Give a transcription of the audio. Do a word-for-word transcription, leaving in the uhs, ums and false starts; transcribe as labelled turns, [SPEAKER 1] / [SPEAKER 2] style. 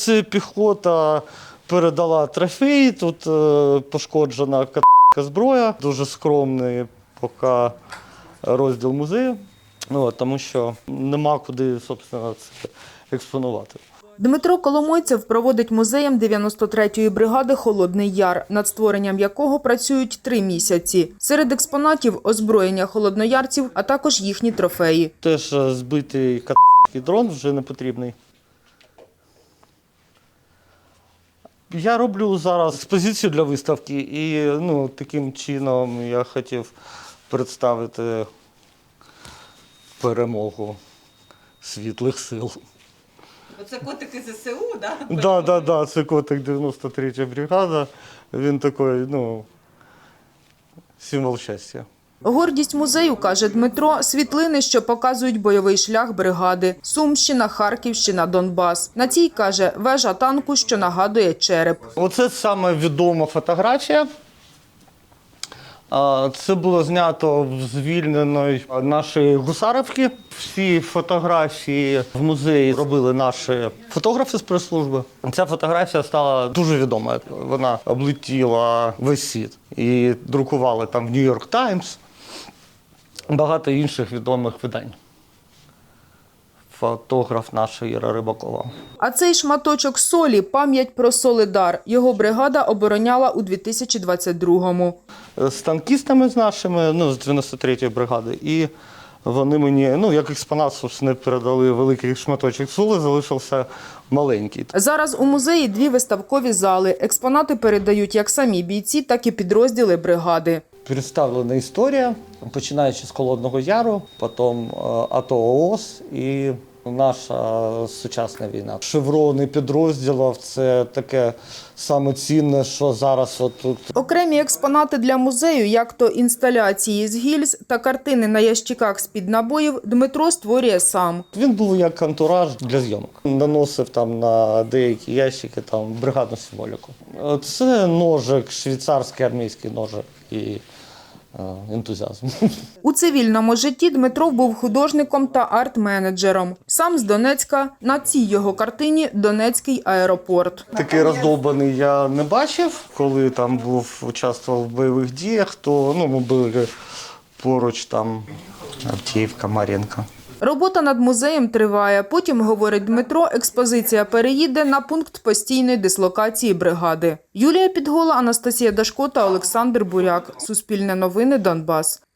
[SPEAKER 1] це піхота передала трофей, тут пошкоджена зброя, дуже скромний поки розділ музею, ну, тому що нема куди, собственно, це експонувати.
[SPEAKER 2] Дмитро Коломойцев проводить музеєм дев'яносто третьої бригади «Холодний Яр», над створенням якого працюють три місяці. Серед експонатів – озброєння холодноярців, а також їхні трофеї.
[SPEAKER 1] Теж збитий к***ський дрон, вже не потрібний. Я роблю зараз експозицію для виставки і ну, таким чином я хотів представити перемогу світлих сил.
[SPEAKER 3] Оце котики ЗСУ, так?
[SPEAKER 1] Так, да, да, да, це котик дев'яносто третя бригада. Він такий, ну, символ щастя.
[SPEAKER 2] Гордість музею, каже Дмитро, світлини, що показують бойовий шлях бригади. Сумщина, Харківщина, Донбас. На цій, каже, вежа танку, що нагадує череп.
[SPEAKER 1] Оце саме відома фотографія. Це було знято в звільненої нашої Гусарівки. Всі фотографії в музеї робили наші фотографи з прес-служби. Ця фотографія стала дуже відомою. Вона облетіла весь світ. І друкували там в Нью-Йорк Таймс, багато інших відомих видань. Фотограф наша Іра Рибакова.
[SPEAKER 2] А цей шматочок солі – пам'ять про Солидар. Його бригада обороняла у дві тисячі двадцять другому.
[SPEAKER 1] З танкістами з нашими, ну, з дев'яносто третьої бригади. І вони мені, ну, як експонат, собственно, передали великий шматочок соли, залишився маленький.
[SPEAKER 2] Зараз у музеї дві виставкові зали. Експонати передають як самі бійці, так і підрозділи бригади.
[SPEAKER 1] Представлена історія, починаючи з Холодного Яру, потім АТО ООС і наша сучасна війна. Шеврони підрозділів – це таке саме цінне, що зараз отут.
[SPEAKER 2] Окремі експонати для музею, як то інсталяції з гільз та картини на ящиках з-під набоїв, Дмитро створює сам.
[SPEAKER 1] Він був як антураж для зйомок. Наносив там на деякі ящики там бригадну символіку. Це ножик, швейцарський армійський ножик і ентузіазм.
[SPEAKER 2] У цивільному житті Дмитро був художником та арт-менеджером. Сам з Донецька. На цій його картині Донецький аеропорт.
[SPEAKER 1] Такий роздовбаний я не бачив, коли там був, участвував в бойових діях, то ну, ми були поруч там Авдіївка, Мар'їнка.
[SPEAKER 2] Робота над музеєм триває. Потім, говорить Дмитро, експозиція переїде на пункт постійної дислокації бригади. Юлія Підгола, Анастасія Дашко та Олександр Буряк. Суспільне новини, Донбас.